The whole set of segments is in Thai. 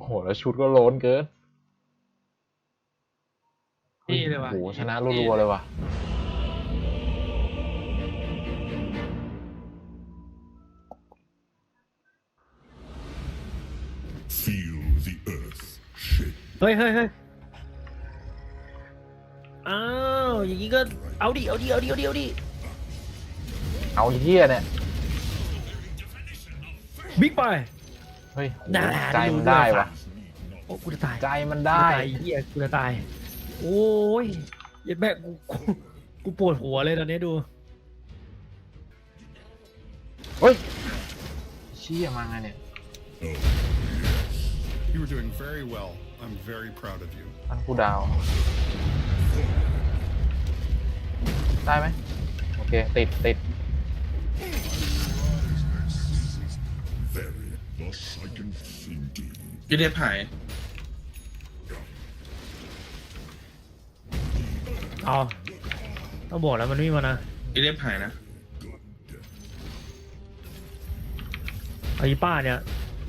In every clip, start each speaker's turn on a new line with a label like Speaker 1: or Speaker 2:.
Speaker 1: โหแล้วชุดก็โล้นเกิน
Speaker 2: พี่เลยว่ะ
Speaker 1: โหชนะรัวๆเลยว่ะ
Speaker 3: Feel the earth shake.
Speaker 4: เฮ้ยอ้าวอย่างงี้ก็เอาดิ
Speaker 1: เอาเหี้ยเนี่ย
Speaker 4: บิ๊กไป
Speaker 1: เฮ้ยโห
Speaker 4: น่า
Speaker 1: ใจมันได้วะ
Speaker 4: โอ้กูจะตาย
Speaker 1: ใจมันได้
Speaker 4: เหี้ยกูจะตายโอ้ยเย็ดแม่กูปวดหัวเลยตอนนี้ดู
Speaker 1: เฮ้ยเชี่ยมาไงเนี่ย
Speaker 3: You were doing very well. I'm very proud of you.
Speaker 1: อันกูดาว ได้ไหมโอเค ติด
Speaker 3: Very. Thus I can think.
Speaker 2: พี่เดฟหาย
Speaker 4: เอาต้องบอกแล้วมันไม่มานะ
Speaker 2: พี่เดฟหายนะ
Speaker 4: เอาอีป้าเนี่ย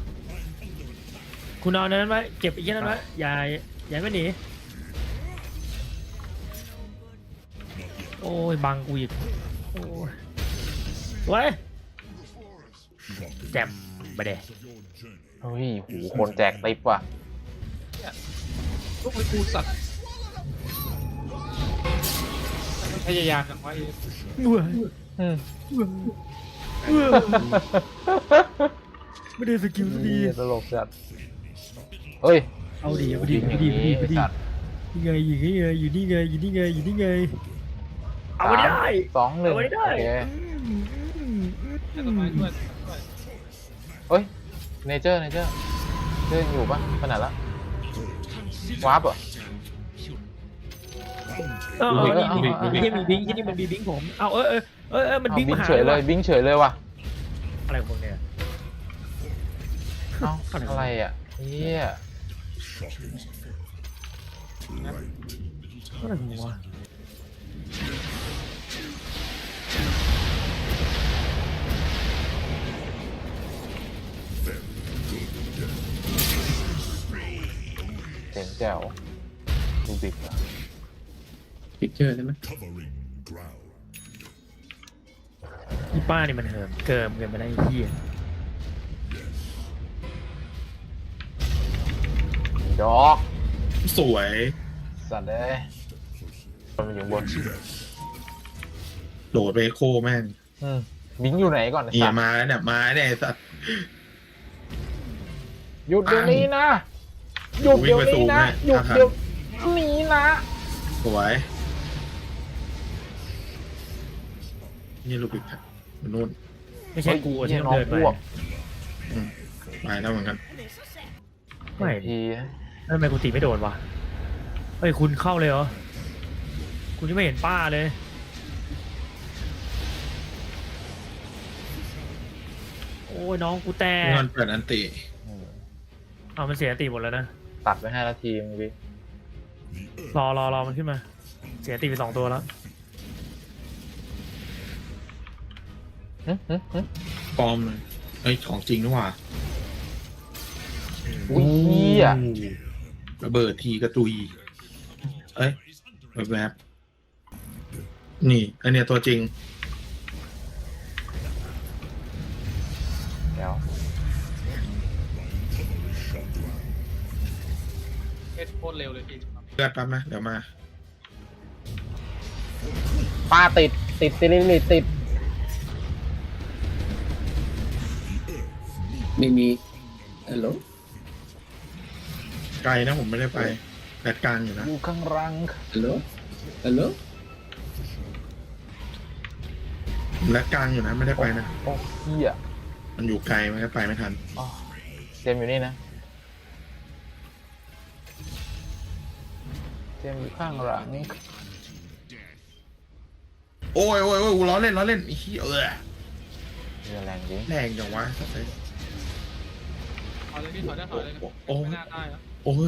Speaker 4: คุณเอานั้นไว้เก็บอีกนั้นไว้อย่าไม่หนีโอ้ยบังกูอีกโอ้ยสวยแจ่มไปเด้
Speaker 1: เฮ้ยโหคนแจกติ๊บว่ะ
Speaker 2: ลูกไอ้กูสัตว์พยายามกันไว้
Speaker 1: อืม
Speaker 4: ไม่ได้สกิลสักที
Speaker 1: เหี้ยตลกจัดเฮ้ย
Speaker 4: เอาดิ
Speaker 1: ยิงอย่างนี้ไอ้สัตว์
Speaker 4: นี่ไงอยู่นี่ไงเอาไม่ได้
Speaker 1: 3 2 1
Speaker 4: เอาไม่ได้
Speaker 1: โอเค
Speaker 2: ต้นไม้ด้วย
Speaker 1: เฮ้ยเนเจอร์อยู่ปะขนาดละวาร์ปเหรอ
Speaker 4: มีบิงที่นี่มันมีบิงผมเอามัน
Speaker 1: เอา
Speaker 4: บิง
Speaker 1: บิง
Speaker 4: มาหา
Speaker 1: เฉยเลยบิงเฉยเลยว่ะ
Speaker 4: อะไรของมึงเนี่ย
Speaker 1: เอ้าอะไรอ่ะเฮีย
Speaker 4: อะไรของมึงวะ
Speaker 1: เจ๋งแจ๋วดูบิกอะ
Speaker 2: พิกเจอร์ได้ไหม
Speaker 3: Covering ground.
Speaker 4: อีป้านี่มันเหิมเกิมกันไปได้ไอ้เหี้ย
Speaker 1: ดอก
Speaker 2: สวย
Speaker 1: สัตว์เลยมันอยู่บน
Speaker 2: โดดไปโคแม่ง
Speaker 1: บิงอยู่ไหนก่อน
Speaker 2: เหีย
Speaker 1: สัตว์
Speaker 2: มาแล้วเนี่ยมาเนี่ยไอ้สัตว์
Speaker 1: หยุดเดี๋ยวนี้นะหยุดเดี๋ยวนี้นะหยุดเดี๋ยวนี้นะ
Speaker 2: สวยนี่ลูกบิกมันนู่น
Speaker 4: ไม่ใช่กูที่ต้องเดินไป
Speaker 2: ไปแล้วเหมือนกัน
Speaker 4: ไม่
Speaker 1: ที
Speaker 4: แล้วทำไมกูตีไม่โดนวะเฮ้ยคุณเข้าเลยเหรอคุณยังไม่เห็นป้าเลยโอ้ยน้องกูแตก
Speaker 2: เงินเปิดอันติ
Speaker 4: เอามันเสียตีหมดแล้วนะ
Speaker 1: ตัดไป5 นาทีมึงดิ
Speaker 4: รอมันขึ้นมา เสียตีไป2 ตัวแล้ว
Speaker 2: ปลอมเลยเอ้ยของจริงนี่หว่า
Speaker 1: อุ้ยเหี้ย
Speaker 2: ระเบิดทีกระตุยเอ้ยแวบๆนี่อันเนี้ยตัวจริง
Speaker 1: เดี๋ยว
Speaker 2: เอ็ดโคตรเร็วเลยพี่เลือดแป๊บนะเดี๋ยวมา
Speaker 1: ป้าติดติด
Speaker 5: ไม่มีฮัลโหล
Speaker 2: ไกลนะผมไม่ได้ไปแบดกลางอยู่นะ
Speaker 1: อยู่ข้างรัง
Speaker 5: ฮัลโหลฮัลโหล
Speaker 2: ผมแบดกลางอยู่นะไม่ได้ไปนะ
Speaker 1: โอ้เหี้ย
Speaker 2: มันอยู่ไกลไม่ได้ไปไม่ทัน
Speaker 1: อ๋อเจมส์อยู่นี่นะเจมส์อยู่ข้างหลังนี่
Speaker 2: โอ้ยกูล้อเล่นไอ้เหี้ย
Speaker 1: เรือแรงจริง
Speaker 2: แรงจังวะสัตว์เลย
Speaker 6: ถอยเลยพี่ถอยได้ถอยเลย
Speaker 2: โอ้ย
Speaker 6: ไม่น่าได้แล้ว
Speaker 2: โอ้ย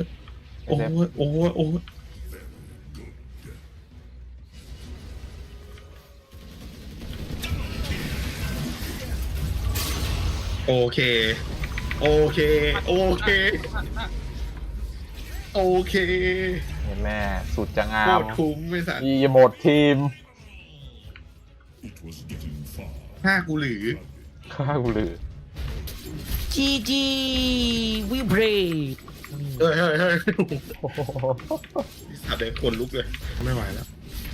Speaker 2: โอ้ยโอเคโอเค โอเค โอเค
Speaker 1: เห็นแม่สุดจะงา
Speaker 2: โค
Speaker 1: ม
Speaker 2: ตรคุ้มไม่สัตว์
Speaker 1: อีหมดทีม
Speaker 3: It was getting far.
Speaker 2: ห้ากูหรือ
Speaker 1: ข้ากูลือ
Speaker 4: จีจีวิบเรด
Speaker 2: เฮ้ยเฮ้ยเฮ้ยสัตว์เด็กคนลุกเลย ไม่ไหวแล้ว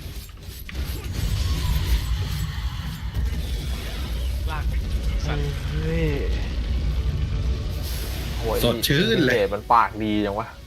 Speaker 6: ลากสัตว์
Speaker 1: เฮ้ยโอ้ย
Speaker 2: สดชื่นเลย
Speaker 1: ดมันปากดีจังวะ